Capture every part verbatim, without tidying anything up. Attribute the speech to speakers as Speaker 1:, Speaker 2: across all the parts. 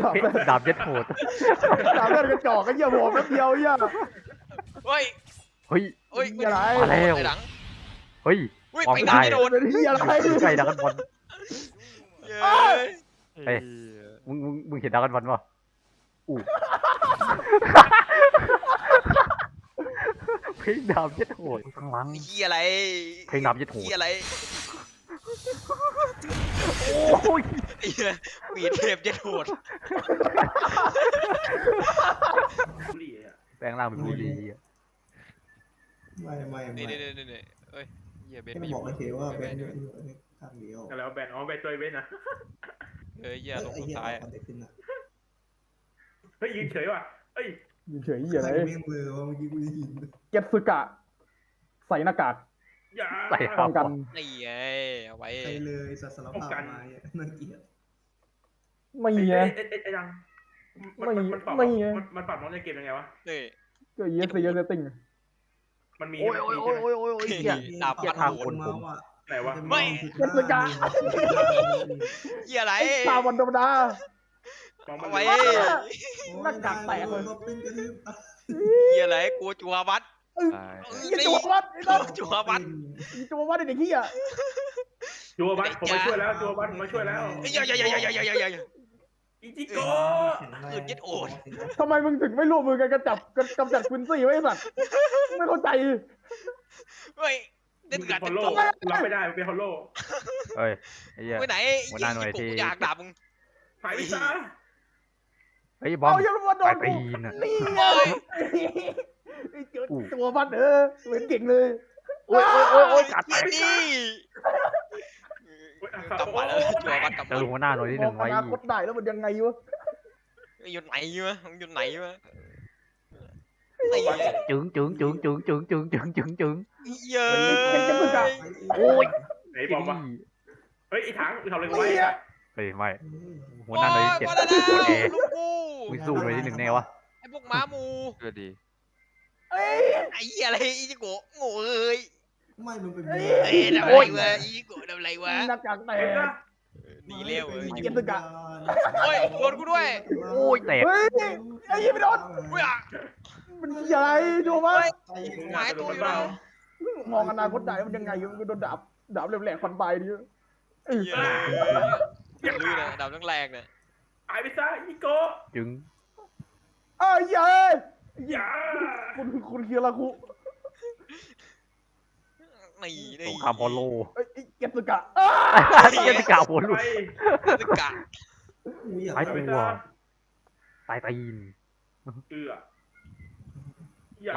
Speaker 1: ดาบเย็ดโหด
Speaker 2: ดาบเลือดกระจอกก็เยี่ยมหัวแป๊บเดียวเยี่ย
Speaker 3: เฮ้ย
Speaker 1: เฮ้ย
Speaker 3: เฮ้ย
Speaker 2: อะไร
Speaker 1: มาแล้ว
Speaker 3: หลัง
Speaker 1: เฮ้ย
Speaker 3: เฮ้ย
Speaker 1: ความ
Speaker 3: ไป
Speaker 1: ตาย
Speaker 3: ไม่โดน
Speaker 2: เป็นที่อะไร
Speaker 1: ใกล้ดักกันบอล
Speaker 3: เย้
Speaker 1: เฮ้ย มึงมึงมึงเห็นดักกันบอลป่ะอู้เพลงดาบเย็ดโหดข้างหลัง
Speaker 3: เฮียอะไร
Speaker 1: เพลงดาบเย็ดโหด
Speaker 3: เฮียอะไร
Speaker 1: โอ้ย
Speaker 3: ไอ้เหี้ยมีเทพเย็ดโหด
Speaker 1: แปลงร่างเป็นบุรีอะ
Speaker 4: ไม่ไม่ไม่
Speaker 3: นี่นี่นี่นี่เอ้ยเฮียเบน
Speaker 4: แค่
Speaker 3: ไม่
Speaker 4: บอกเฉยๆว่า
Speaker 3: ไม่
Speaker 4: เป็น
Speaker 3: ไม่
Speaker 4: ข้างเดียว
Speaker 5: แล้วแบนอ๋อแบนตัวเว้นนะ
Speaker 3: เฮ้ยเฮียลง
Speaker 4: ไอ้
Speaker 3: คน
Speaker 4: เหี้ย
Speaker 3: ซ้าย
Speaker 4: เอาแต่ขึ้นอ่ะ
Speaker 5: เฮ้ยยืนเฉยว่ะเฮ้ย
Speaker 2: ยิงเฉยเยี่ยอะไร
Speaker 4: ใครไม่มือว่าเมื่อกี้กูได้ยิน
Speaker 2: เก็ตสึกะ ใส่หน้ากาก
Speaker 5: อย่า
Speaker 1: ใส่
Speaker 2: ป้องกัน
Speaker 3: นี่ไงเอาไว้
Speaker 4: ใครเลยสัสารภาพมาเนี่ยน่าเกลียด
Speaker 2: ไม่
Speaker 5: ไอ้
Speaker 2: ไง
Speaker 5: ไอ้ไอ้ไอ้ดัง
Speaker 2: ไม่
Speaker 5: มันมันปรับ
Speaker 2: ไม่ไง
Speaker 5: มันมันปรับน้องในเกมยังไงวะ
Speaker 3: นี่
Speaker 2: ก็เยสเยสติ้ง
Speaker 5: มันมี
Speaker 1: โอ้ยโอ้ยโอ้ยโอ้ยโอ้ยโอ้ยเหี้ย
Speaker 3: ดาบ
Speaker 1: เกลีย
Speaker 3: พั
Speaker 1: ด
Speaker 3: น
Speaker 1: ทาง
Speaker 3: โห
Speaker 1: ค
Speaker 3: ด
Speaker 1: นผม
Speaker 5: ไหนวะ
Speaker 2: เก็ตสึกะ
Speaker 3: เฮียอะไร
Speaker 2: ตาวันธรรมดา
Speaker 5: มองมัน
Speaker 3: เอาไว้
Speaker 2: หน้ากากแตกเลย
Speaker 3: เฮียอะไรกลัวจัววัด
Speaker 2: ยี่จัววัดไอ้น้อง
Speaker 3: จัววัด
Speaker 2: ยี่จัววัดไอ้เด็กเหี้ย
Speaker 5: จัวบัตผมมาช่วยแล้วจัวบัตผมมาช่วยแล้ว
Speaker 3: เฮ้ยอย่าอย่าอย่าอย่าอย่าอย่าอย่า
Speaker 5: อิจิโก
Speaker 2: ทำไมมึงถึงไม่ร่วมมือกันกำจับกำจัดควินซี่ไว้ไอ้สัตว์ไม่เข้าใจ
Speaker 3: เฮ้ยเด็
Speaker 5: มึ
Speaker 3: ด
Speaker 5: ง
Speaker 3: กั
Speaker 5: เป็
Speaker 3: ด
Speaker 5: นฮอล
Speaker 3: เด็ด
Speaker 5: โล
Speaker 3: ตัว
Speaker 5: รับไม่ได้เป็นฮอลโล
Speaker 1: เฮ้ยไอ้เหี้ย
Speaker 3: ไปไหน
Speaker 1: หัวหน้าหน่วยที่
Speaker 3: กูอยากด่ามึง
Speaker 5: หายไปซะ
Speaker 1: เฮ้ยบอม
Speaker 2: เอาอย่ามาโด
Speaker 1: ไป
Speaker 2: น
Speaker 1: ตี
Speaker 2: กู
Speaker 1: นอะ
Speaker 2: นี่ไงไอ้จัววัดเออเหมือนเก่งเลย
Speaker 1: โอ้ยโอ้ยโอ้ยโอ้ยกัด
Speaker 3: เฮียดิกลับมาแล้วจัววัดกลับ
Speaker 1: เจ
Speaker 3: มา
Speaker 1: อหัวหน้าหน่วยที่ห
Speaker 2: มอ
Speaker 1: นึ่
Speaker 2: ง
Speaker 1: ง
Speaker 2: อ
Speaker 1: ไว้
Speaker 2: นาคตได้แล้วมันยังไงวะ
Speaker 3: อยู่ไหนวะมึงอยู่ไหนวะ
Speaker 1: จึงจึงจึงจึงจึงจึงจึงจึงจึง
Speaker 3: เย้
Speaker 1: โอ้ย
Speaker 5: ไหนบอกว่าเฮ้ยไอ้ถังทำอะไรกูไว้
Speaker 1: เฮ้ยไม่หัวหน้าหน่วยที่เจ็ดโคตรเอ
Speaker 3: ลูกกู
Speaker 1: มึงสู้หน่วยที่หนึ่งแน่วะ
Speaker 3: ไอ้พวกม้ามู
Speaker 6: ก็ดี
Speaker 2: เอ้ย
Speaker 3: ไอ้อะไรอีจิโกะโง่เอ้ย
Speaker 4: ไม่มึงเป็น
Speaker 3: เอ้ยทำอะไรวะอีจิโกะทำอะไรวะ
Speaker 2: หน้ากากแต
Speaker 5: เห็น
Speaker 2: ก
Speaker 5: นะ
Speaker 3: หนีเร็วเอ้ย
Speaker 2: เก็บตึกอะ
Speaker 3: โอ้ยโดนกูด้วย
Speaker 1: โอ้ยแตก
Speaker 2: เฮ้ยไอ้ยี่ไม่โดน
Speaker 3: อุ้ยอ่ะ
Speaker 2: มันใหญ่ดูมั้ย
Speaker 3: หายตัวอยู่แล้ว
Speaker 2: มองอนาคตได้มันยังไงมันก็โดนดาบดาบแหลมๆฟันปลายดิ
Speaker 3: เหี้ยลื่นนะดาวทั้งแรงเนี่ย
Speaker 5: หายไปซะอิจิโก
Speaker 1: จึง
Speaker 2: เอ้ยเย้ย
Speaker 5: อย่า
Speaker 2: คุณคุณเคียราคุ
Speaker 3: นี่
Speaker 1: ส
Speaker 3: นี่
Speaker 1: งครามพอลโล
Speaker 2: เอ้ยเก็บสกะ
Speaker 1: ที่จะกล่าวผลลูก
Speaker 5: ไป
Speaker 3: ตึกกะ
Speaker 1: หายตัวตายตีน
Speaker 5: เอืออย่า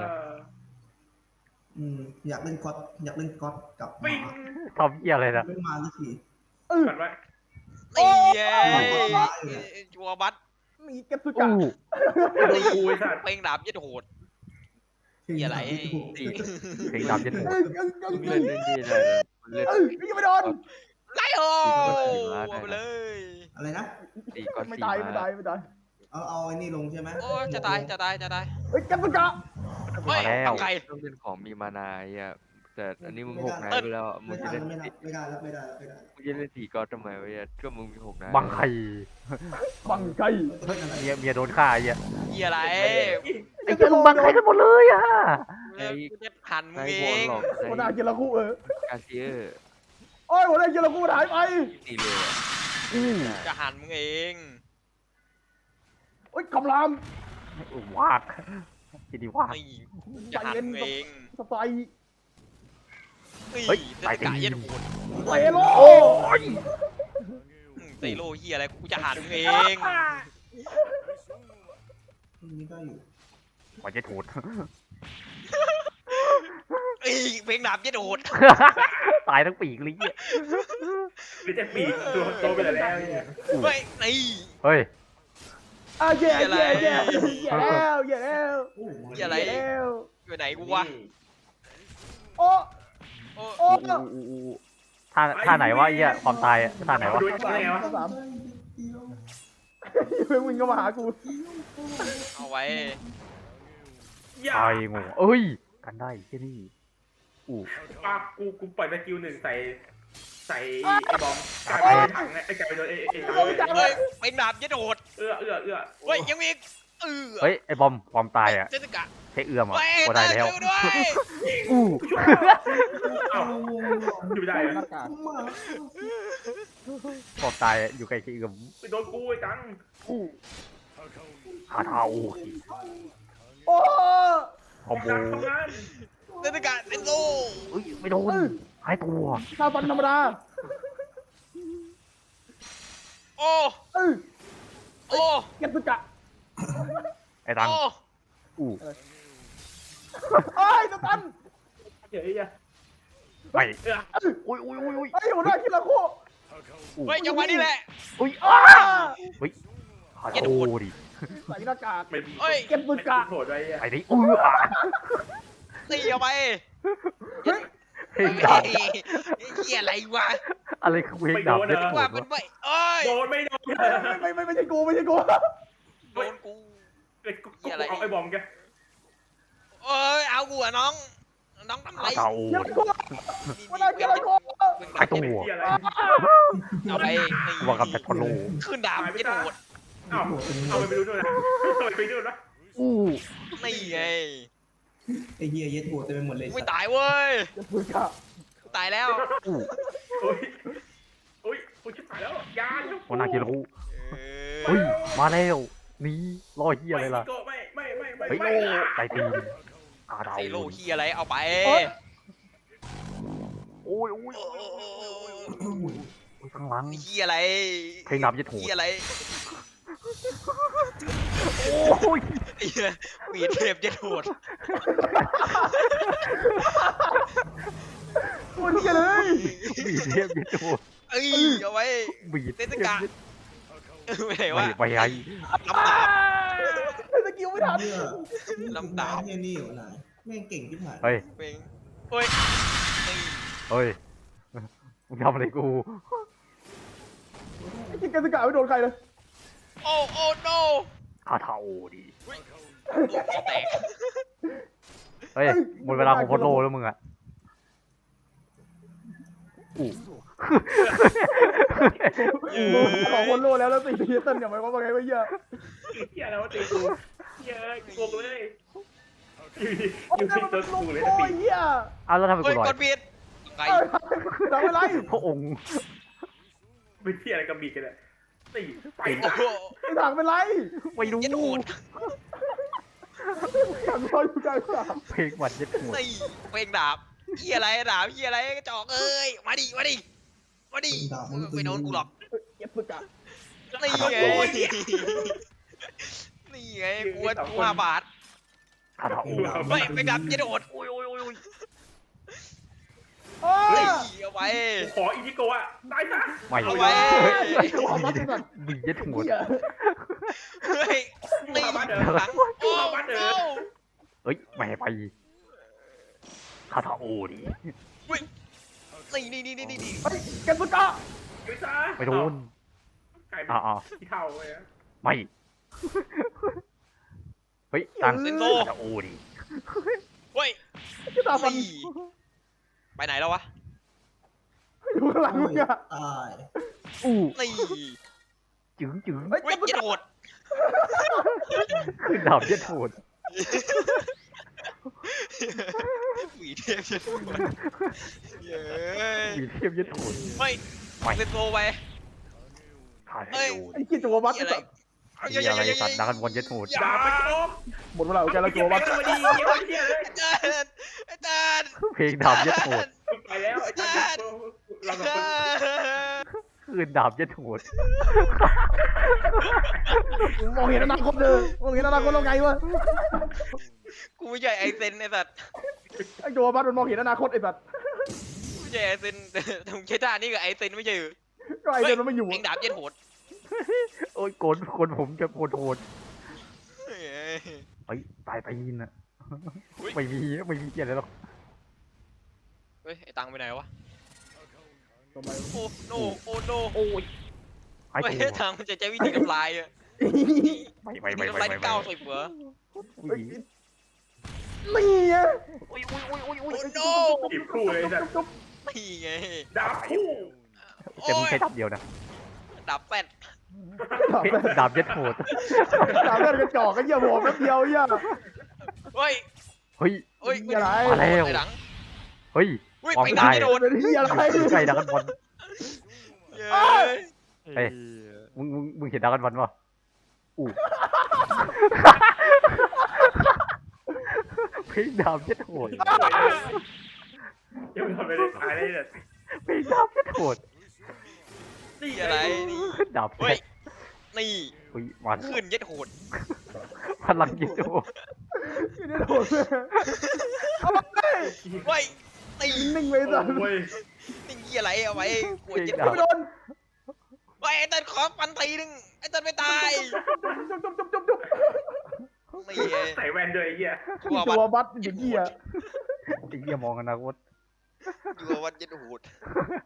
Speaker 4: อืมอยากเล่นก๊อตอยากเล่นก๊อตกับห
Speaker 5: ปิ้
Speaker 4: มาง
Speaker 1: ทำเหี้ยอะไรนะ
Speaker 4: ไม่มาสักที
Speaker 5: กัดไว้
Speaker 3: นี่เย้จัวบัต
Speaker 2: มีเก็บสกะ
Speaker 1: อู้
Speaker 5: โดนกูไอ้สัตว์
Speaker 3: เพลงดาบยัดโหด เหี้ยอะไร
Speaker 1: เพลงดาบเย็ดโหด
Speaker 2: เอ้ยเอ้ยเอ้ย
Speaker 6: มึงเล่นเล่นดีเลยมึงเล่น
Speaker 2: เอ้ยยังไม่โดน
Speaker 3: ไล่โอ้เอาไปเลย
Speaker 4: อะไรนะ
Speaker 6: ตีก้อน
Speaker 2: ไม่
Speaker 6: สี
Speaker 2: ตาย
Speaker 6: มา
Speaker 2: ไม่ตายไม่ตาย
Speaker 4: เอาเอาไอ้นี่ลงใช่ไหม
Speaker 3: โอ้จะตายจะตายจะตาย
Speaker 2: เฮ้ยเก็บสกะ
Speaker 3: เฮ้ยเอาไก่
Speaker 6: ต้องเป็นของมีมานาอ่ะแต่อันนี้มึงหกนาย
Speaker 3: เติ้ล
Speaker 6: ไปแล้วมึ
Speaker 4: ไม่
Speaker 6: งจะ
Speaker 4: ได้
Speaker 6: เล่น
Speaker 4: ไม่ได้
Speaker 6: สี
Speaker 4: ไม่ได้แล้วไม่ได้แล้วไม่ได้
Speaker 6: มึงจะเล่นสีก้อนทำไมวะเนี่ยก็มึงมีหกนาย
Speaker 1: บังไข่
Speaker 2: บังไก่
Speaker 1: เมียเมียโดนฆ่าไอ้เหี้ย
Speaker 3: เหี้ยอะไร
Speaker 1: ไอ้เหี้ยมึงบังไข่กันหมดเลยอ่ะ
Speaker 3: กูจะหันมึง
Speaker 6: ให้
Speaker 3: เอ
Speaker 6: วอล
Speaker 3: ง
Speaker 6: หลอก
Speaker 2: หัวหน้า
Speaker 6: ให้
Speaker 2: เคียราคุเออ
Speaker 6: กาเซียร์
Speaker 2: โอ้ยหัวหน้าเคียราคุหายไป
Speaker 6: ตีเลยอะ
Speaker 1: อู้
Speaker 3: จะหันมึงเอง
Speaker 2: โอ้ยคำราม
Speaker 1: วากกินดีวาก
Speaker 3: นี่จะหันมึงเอง
Speaker 2: สไตล์
Speaker 3: นี่
Speaker 1: เฮ้ย
Speaker 3: เตะกะยัดโหด
Speaker 2: เตโล
Speaker 1: โอ้ย
Speaker 3: เตะโลเหี้ยอะไรกูจะหันมึงเอง
Speaker 4: นี่ก็อยู่
Speaker 1: กว่าจะถูด
Speaker 3: เอ้ยเพลงดาบยัดโหด
Speaker 1: ตายทั้งปีกเลยเหี้ย
Speaker 5: ไม่จะปีกตัวโตไปแล้วเนี่ย
Speaker 3: เฮ้ยนี่
Speaker 1: เฮ้ย
Speaker 2: อ่ะแย่แย่แย่แย่แล้วแย่แล้ว
Speaker 4: โอ้โห
Speaker 3: เหี้ยอะไร
Speaker 2: แย่แล้ว
Speaker 3: อยู่ไหนกูวะ
Speaker 2: โอ้
Speaker 3: โอ้
Speaker 2: โอ้
Speaker 1: ท่าท่าไหนวะไอ้เหี้ยความตายอะท่าไหนวะ
Speaker 5: ดูได้ไงวะ
Speaker 2: สามเพิ่งวิ่งเข้ามาหากู
Speaker 3: เอาไว้
Speaker 5: อย่า
Speaker 1: ตายงูเอ้ยกันได้แค่นี้อู้
Speaker 5: ปากกูกูปล่อยสกิลหนึ่งใส่ใส่ไอ้บอมกลายเป็นถังไอ้กลายเป็นไอ้ไอ้ตัง
Speaker 3: เฮ้ยเป็นดาบยัดโหด
Speaker 5: เอื้อเอื้อเอื้อ
Speaker 3: เฮ้ยยังมีอีกเออ
Speaker 1: เฮ้ยไอ้บอมบอมตายอ่ะ
Speaker 3: เจสสิกะ
Speaker 1: ใช้เอื้อมอ่ะ
Speaker 3: เฮ้ย
Speaker 1: ก็ได้แล้ว
Speaker 3: ช่วยด้วย
Speaker 1: อู้
Speaker 5: เอ้าอยู่ได้เหรอ
Speaker 2: หน้ากาก
Speaker 1: บอมตายอะอยู่ใกล้ใช้เอื้อม
Speaker 5: ไปโดนกูไอ้ตัง
Speaker 1: คาเทา
Speaker 2: โอ้
Speaker 1: คอมโบ
Speaker 5: ตังทำงาน
Speaker 3: เจสสิกะเซนโซ
Speaker 1: เฮ้ยไม่โดนหายตัว
Speaker 2: หน้าฟันธรรมดา
Speaker 3: โอ้
Speaker 2: เออ
Speaker 3: โอ้
Speaker 2: เก็บสกะ
Speaker 1: ไอ้ตัง
Speaker 3: โอ้
Speaker 1: อู้
Speaker 2: เอ้ยสตัน
Speaker 5: เดี๋ยวไอ้ยะ
Speaker 1: ไม่
Speaker 5: เอื้อ
Speaker 1: อุ้ยอุ้ยอุ้ยอุ้ย
Speaker 2: เฮ้ยหัวหน้าคิราโค
Speaker 1: อู้
Speaker 3: เฮ้ยจังหวะนี้แหละ
Speaker 1: อุ้ย
Speaker 2: อ้า
Speaker 1: เฮ้ยคา
Speaker 3: อย่า
Speaker 1: โท
Speaker 3: โดน
Speaker 1: ดิ
Speaker 2: ใส่หน้ากาก
Speaker 5: ไม่
Speaker 3: เฮ้ย
Speaker 2: เก็บสกะ
Speaker 5: โหดไว้อ่ะ
Speaker 1: ไอ้นี่อู้อ่ะ
Speaker 3: ตีเอาไป
Speaker 2: เฮ้ย
Speaker 1: เพลง
Speaker 3: เฮ้
Speaker 1: ดัง
Speaker 3: ยเหี้ยอะไรวะ
Speaker 1: อะไรคือเพลงดังเนี่ยโห
Speaker 3: ว่า
Speaker 1: ด
Speaker 3: มัน
Speaker 1: วะ
Speaker 3: ไม่เอ้ย
Speaker 5: โดนไม่โดน
Speaker 2: ไม่ไม่ไม่ใช่กูไม่ใช่กู
Speaker 3: โดนกู
Speaker 5: ไอ้กูเอาไอ้บอมแก
Speaker 3: เอ้ยเอากูอะน้องน้องทำไร
Speaker 1: คาเทา
Speaker 2: เก็บกูหัวหน้าคิราโค
Speaker 1: หายตัว
Speaker 5: ที่อะไร
Speaker 3: เอาไป
Speaker 1: ว่ากับแต่ทอโล
Speaker 3: ขึ้นดาบยัดโหด
Speaker 5: เอ้าเอาไปดูด้วยนะเอาไปดูนะ
Speaker 1: อู้
Speaker 3: นี่ไง
Speaker 4: ไอ้เหี้ยเย็ดหัวเต็มไปหมดเลย
Speaker 3: ไม่ตายเว้ย
Speaker 2: เก็บสกะ
Speaker 3: ตายแล้ว
Speaker 1: อู้
Speaker 5: โอ้ยโอ้ยกูชิบหายแล้วยา
Speaker 1: หัวหน้ากิโล
Speaker 3: เอ
Speaker 1: เฮ้ย
Speaker 3: อ
Speaker 1: มาแล้วนี่รอยเฮียอะไรล่ะ
Speaker 5: ไม่ไม่ไม่ไม่
Speaker 1: เฮ้ย
Speaker 5: ไม่
Speaker 1: ไตตีนคาเทา
Speaker 3: ไซโลเฮียอะไรเอาไป
Speaker 1: โอ้ยโอ้ย
Speaker 3: โอ้
Speaker 1: โอ้ย
Speaker 3: โห
Speaker 1: โอ้ยข้างหลัง
Speaker 3: เฮียอะไร
Speaker 1: เพลงดับยัดหู
Speaker 3: เฮียอะไร
Speaker 1: โอ้ย
Speaker 3: เฮียมีเทพยัดโหด
Speaker 2: ตัวนี้เลย
Speaker 1: บีดเทพยัดหู
Speaker 3: เอ้ยเอาไว้
Speaker 1: บีด
Speaker 3: เทศกาล ไม่ไหนวะ
Speaker 1: ไม่ไปไอ้
Speaker 3: ลำดาบ
Speaker 2: สกิลไม่ทัน
Speaker 4: เหี้ย
Speaker 3: ลำดาบ
Speaker 4: เหี้ยนี่อยู่ไหนแม่งเก่งที่ผ่าน
Speaker 1: เฮ้ย
Speaker 3: เพลงเฮ้ยนี่
Speaker 1: เฮ้ยมึงทำอะไรกู
Speaker 2: ไอ้กินกันสกะไม่โดนใครเลย
Speaker 3: โอ้โอ้ no
Speaker 1: คาเทาดิ
Speaker 3: ลูกคอแตก
Speaker 1: เฮ้ยหมดเวลาของโคตรโลแล้วมึงอ่ะอู้
Speaker 2: สองคนโลแล้วแล้วสี่ทีเต้นอย่างไรวะว่าไงวะเหี้ย
Speaker 5: เฮียแล้วตีกูเฮียกูกูเลยอยู่ดี
Speaker 2: โอ้
Speaker 5: อยู่
Speaker 2: ย
Speaker 5: ที่
Speaker 2: มัน
Speaker 5: ตั
Speaker 2: เป็
Speaker 5: วน
Speaker 2: ล
Speaker 5: กู
Speaker 2: ม
Speaker 5: เลย
Speaker 2: โอ้
Speaker 5: ตี
Speaker 2: ยเหี้ย
Speaker 1: อ้าวแล้วทำไม
Speaker 3: เฮ้
Speaker 1: กู
Speaker 3: ย
Speaker 1: ลอย
Speaker 3: กดผิดไง
Speaker 2: เอ้ยทำอะไร
Speaker 1: พระองค์
Speaker 5: เป็นเฮียอะไรกับบีกันเนี่ยตีไป
Speaker 3: โอ้โห
Speaker 2: ไอ้ถังเป็นไร
Speaker 1: ไม่รู้
Speaker 3: ยัดโหด
Speaker 2: ถังลอยอยู่กลางสนาม
Speaker 1: เพลงหวัดยัดหู
Speaker 3: นี่เพลงดาบเฮียอะไรดาบเฮียอะไรกระจอกเอ้ยมาดิมาดิมาดิไม่โดนกูหรอก
Speaker 2: เก็บสกะ
Speaker 3: นี่ไงนี่ไงกูว่ากูห้าบาท
Speaker 1: คาเทา
Speaker 3: เฮ้ยเพลงดาบยัดโหด
Speaker 1: โอ้ยโอ้ยโอ้ย
Speaker 2: โอ้
Speaker 3: เฮ้
Speaker 2: ย
Speaker 3: ยเอาไป
Speaker 5: ขออินิโกะตายซะ
Speaker 1: ไม่
Speaker 3: เอา
Speaker 1: ไว้
Speaker 3: ไว้
Speaker 2: ไอ้ตัวมัดสัตว์
Speaker 1: บียัดหู
Speaker 2: เหี้ย
Speaker 3: เฮ้ยนี่หลังโอ้โห
Speaker 1: เฮ้ยไม่ให้ไปคาเทาดิ
Speaker 3: นี่นี่นี่นี่นี่
Speaker 2: เฮ้ยเก็บสกะ
Speaker 5: ไปซะ
Speaker 1: ไม่โดน
Speaker 5: ไก่
Speaker 1: อ่าอ่า
Speaker 5: ที่เท่าเลย
Speaker 1: ไม่เฮ้ยตังคาเทาดิ
Speaker 3: เฮ้ย
Speaker 2: ที่ตาฟัน
Speaker 3: นี่ไปไหนแล้ววะ
Speaker 2: อยู่ข้างหลังมึงอะ
Speaker 4: ตาย
Speaker 1: อู้
Speaker 3: นี่
Speaker 1: จึงจึง
Speaker 2: เฮ้ย
Speaker 3: เฮ้ย
Speaker 2: เก็บส
Speaker 3: ยัด
Speaker 2: กะ
Speaker 3: โหด
Speaker 1: ขึ้นดาบยัดหู
Speaker 3: หวีเทพยัดโหดเย้ย
Speaker 1: บีเทียบยัดหู
Speaker 3: เฮ้ย
Speaker 1: ไม่
Speaker 3: เซนโซไป
Speaker 1: คาเทา
Speaker 2: ไอ้เหี้ยตัวมัด
Speaker 3: นี่
Speaker 2: ไอ้
Speaker 3: อะไร
Speaker 2: สัตว์
Speaker 1: มีอะไรสัตว์ดักกันบนยัดหู
Speaker 5: อย่าไปโกง
Speaker 2: หมดเวลาของแกแล้วตัวมัด
Speaker 5: มาดีเยี่ยมเยี่ยเลย
Speaker 3: อาจารย์อาจารย์
Speaker 1: เพลงดาบยัดหู
Speaker 5: ไปแล้วไอ้ท่านเรา
Speaker 3: อา
Speaker 5: สอง
Speaker 3: จา
Speaker 5: คน
Speaker 3: รย์
Speaker 1: คืนดาบยัดหู
Speaker 2: มองเห็นอนาคตเลยมองเห็นอนาคตเราไงวะ
Speaker 3: กูไม่ใช่ไอเซนไอสัตว์
Speaker 2: ไอ้ตัวมัดมันมองเห็นอนาคตไอ้สัตว์
Speaker 3: กูไม่ใช่ไอเซนแต่มึงใช้ท่านี่กับไอเซนไม่ใช่เหรอ
Speaker 2: ก็ไอ้เดินมันไม่อยู่
Speaker 3: เพลงดาบยัดโหด
Speaker 1: โอ้ยโกนโกนผมจะโกนโหด
Speaker 3: เฮ้ย
Speaker 1: เฮ้ยตายตีนอะไม่มีไม่มีเกียรติหรอก
Speaker 3: เฮ้ยไอตังไปไหนวะ
Speaker 2: ทำไม
Speaker 3: โอ้โนโอ้โน
Speaker 1: โอ้ยไอ้
Speaker 3: ไอ้
Speaker 1: ตัว
Speaker 3: ทางมันจะใช้วิธีทำลายอะ
Speaker 1: ไม่ไม่
Speaker 3: วิ
Speaker 1: ไม่
Speaker 3: ธี
Speaker 1: ไม่
Speaker 3: ทำลาย
Speaker 1: ไม่
Speaker 3: ที่เก้าสิบเหรอ
Speaker 1: ไม่
Speaker 2: นี่ไง
Speaker 1: อุ้ยอุ้ยอุ้ยอุ้ย
Speaker 3: โอ้
Speaker 1: อุ้ย
Speaker 3: โน
Speaker 5: จีบคู่เลยจ้ะ
Speaker 2: จุ๊บ
Speaker 3: นี่ไง
Speaker 5: ดาบคู่
Speaker 1: แต่มึงใช้ดาบเดียวนะ
Speaker 3: ดับแฟด
Speaker 2: ดาบ
Speaker 1: เฮ้ย
Speaker 2: แม่น
Speaker 1: ดาบเย็ดโหด
Speaker 2: ดาบแม่นกระจอกก็เหี้ยโหแป๊บเดียวเหี้ย
Speaker 3: เฮ้ย
Speaker 1: เฮ้ย
Speaker 3: เฮ้ย
Speaker 2: อะไร
Speaker 1: มาแล้ว
Speaker 3: ในหลัง
Speaker 1: เฮ้ย
Speaker 3: เฮ้ย
Speaker 1: มอง
Speaker 3: ไป
Speaker 1: ได้
Speaker 3: ดังไม่โดน
Speaker 2: เป็นเหี้ยอะไร
Speaker 1: อยู่ใกล้ดักกันบอล
Speaker 3: เย้
Speaker 1: เฮ้ย มึงมึงมึงเห็นดักกันบอลป่ะอู้เพลงดาบเย็ดโหด
Speaker 5: ยังทำไม่ได้ตายเลยเนี่ย
Speaker 1: เพลงดาบเย็ดโหด
Speaker 5: นี่
Speaker 3: เหี้ยอะไรนี่
Speaker 1: ดาบ
Speaker 3: เฮ้
Speaker 1: แท้
Speaker 3: ยนี่
Speaker 1: เฮ้ยมัน
Speaker 3: ขึ้นเย็ดโหด
Speaker 1: พลังเย็ดโหด
Speaker 2: ไม่ได้โหดเลยเอาไป
Speaker 3: เฮ้ยนี่
Speaker 2: นิ่งไว้สัตว์
Speaker 5: โอ้ย
Speaker 3: นี่เหี้ยอะไรเอาไว้ปวด
Speaker 1: เพลง
Speaker 3: เย็ด
Speaker 1: ดา
Speaker 3: โห
Speaker 1: บ
Speaker 2: ไม่โดน
Speaker 3: เฮ้ยไอ้เต้นขอฟันทีนึงไอ้เต้นไม่ตาย
Speaker 2: จุ๊บจุ๊บจุ๊บจุ๊บจุ๊บ
Speaker 3: นี่ไง
Speaker 5: ใส่แว่นด้วยไอ้เหี้ย
Speaker 3: ชัวร์
Speaker 2: ตั
Speaker 3: วั
Speaker 2: ว
Speaker 3: ด
Speaker 2: บัสอย่างเหี้ย
Speaker 1: ไอ้เหี้ยมองอนาคต
Speaker 3: ชัวร์วัดเย็ดโหด